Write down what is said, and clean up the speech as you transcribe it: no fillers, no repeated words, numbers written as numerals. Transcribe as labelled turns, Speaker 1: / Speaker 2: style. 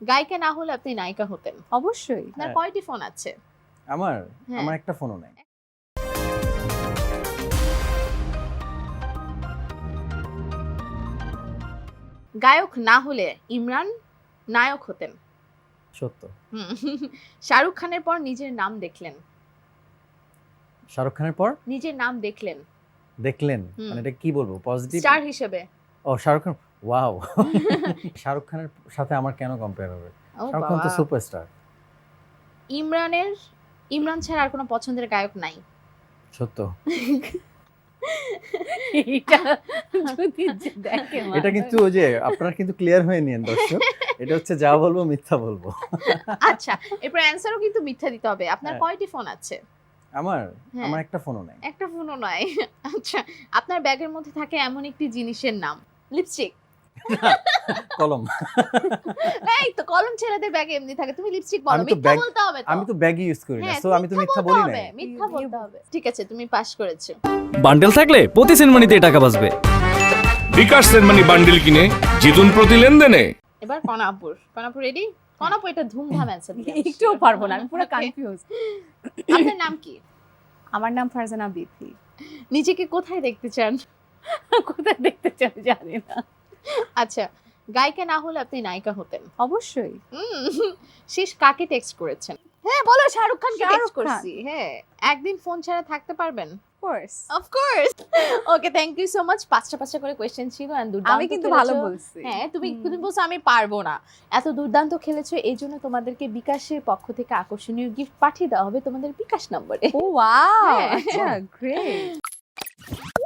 Speaker 1: গায়িকা না হলে আপনি নায়িকা হতেন।
Speaker 2: অবশ্যই।
Speaker 1: আপনার কয়টি ফোন আছে?
Speaker 3: আমার
Speaker 1: হ্যাঁ।
Speaker 3: আমার একটা ফোনও নাই।
Speaker 1: গায়ক না হলে ইমরান নায়ক হতেন।
Speaker 3: সত্য।
Speaker 1: হুম। শাহরুখ খানের পর নিজের নাম দেখলেন।
Speaker 3: শাহরুখ খানের পর
Speaker 1: নিজের নাম দেখলেন
Speaker 3: দেখলেন,
Speaker 1: হুম।
Speaker 3: মানে এটা কি বলবো, পজিটিভ?
Speaker 1: স্টার হিসেবে।
Speaker 3: ও শাহরুখ খান, ওয়াও। শাহরুখ খানের সাথে আমার কেন কম্পেয়ার হবে?
Speaker 1: ও
Speaker 3: শাহরুখ খান তো
Speaker 1: বাবা।
Speaker 3: সুপারস্টার।
Speaker 1: ইমরান ছাড়া আর কোনো পছন্দের গায়ক নাই?
Speaker 3: সত্য।
Speaker 2: এটা যদি দেখে
Speaker 3: এটা কিন্তু ওই যে আপনারা কিন্তু ক্লিয়ার হয়ে নিয়েন দর্শক, এটা হচ্ছে যা বলবো মিথ্যা বলবো।
Speaker 1: আচ্ছা, এরপর অ্যানসারও কিন্তু মিথ্যা দিতে হবে। আপনার
Speaker 3: হ্যাঁ।
Speaker 1: কয়টি ফোন আছে?
Speaker 3: আমার
Speaker 1: হ্যাঁ।
Speaker 3: আমার একটা ফোনও নাই।
Speaker 1: একটা ফোনও নয়। আচ্ছা, আপনার ব্যাগের মধ্যে থাকে এমন একটি জিনিসের নাম। লিপস্টিক।
Speaker 3: কলম।
Speaker 1: এই তো কলম ছেলেদের ব্যাগে এমনি থাকে। তুমি লিপস্টিক বলো,
Speaker 3: আমি তো
Speaker 1: মিথ্যা
Speaker 3: ব্যাগ
Speaker 1: বলতে হবে তো।
Speaker 3: আমি তো ব্যাগই ইউজ করি না,
Speaker 1: হ্যাঁ,
Speaker 3: সো আমি তো মিথ্যা বলি না।
Speaker 1: মিথ্যা বলতে হবে। ঠিক আছে, তুমি পাস করেছো।
Speaker 4: বান্ডেল থাকলে প্রতি সেনমানিতে টাকা বাঁচবে।
Speaker 5: বিকাশ সেনমানি বান্ডিল কিনে জিতুন প্রতি লেনদেনে।
Speaker 1: এবার কনাপুর রেডি? কনাপুর এটা ধুমধাম অ্যান্সার দিবে।
Speaker 2: একটুও পারবো না, আমি পুরো কনফিউজ।
Speaker 1: আপনার নাম কি?
Speaker 2: আমার নাম ফারজানা বিথি।
Speaker 1: নিজেকে কোথায় দেখতে চান?
Speaker 2: কোথায় দেখতে চান জানি না।
Speaker 1: আচ্ছা, গায়িকা না হলে আপনি নায়িকা হতেন।
Speaker 2: অবশ্যই।
Speaker 1: শেষ কাকে টেক্সট করেছেন? হ্যাঁ বলো, শাহরুখ খানকে
Speaker 2: শাহরুখ
Speaker 1: টেক্সট
Speaker 2: খান।
Speaker 1: করছি। হ্যাঁ, একদিন ফোন ছাড়া থাকতে পারবেন?
Speaker 2: Course.
Speaker 1: Of course. Okay, thank you so much. পাঁচটা করে কোশ্চেন ছিল এন্ড দুর্দান্ত
Speaker 2: আমি কিন্তু
Speaker 1: খেলেছো।
Speaker 2: ভালো বলছি।
Speaker 1: হ্যাঁ, তুমি বলছো আমি পারবো না। এত দুর্দান্ত খেলেছো, এই জন্য তোমাদেরকে বিকাশের পক্ষ থেকে আকর্ষণীয় গিফট পাঠিয়ে দেওয়া হবে তোমাদের বিকাশ নম্বরে।
Speaker 2: ও ওয়াও,
Speaker 1: হ্যাঁ।
Speaker 2: আচ্ছা গ্রেট।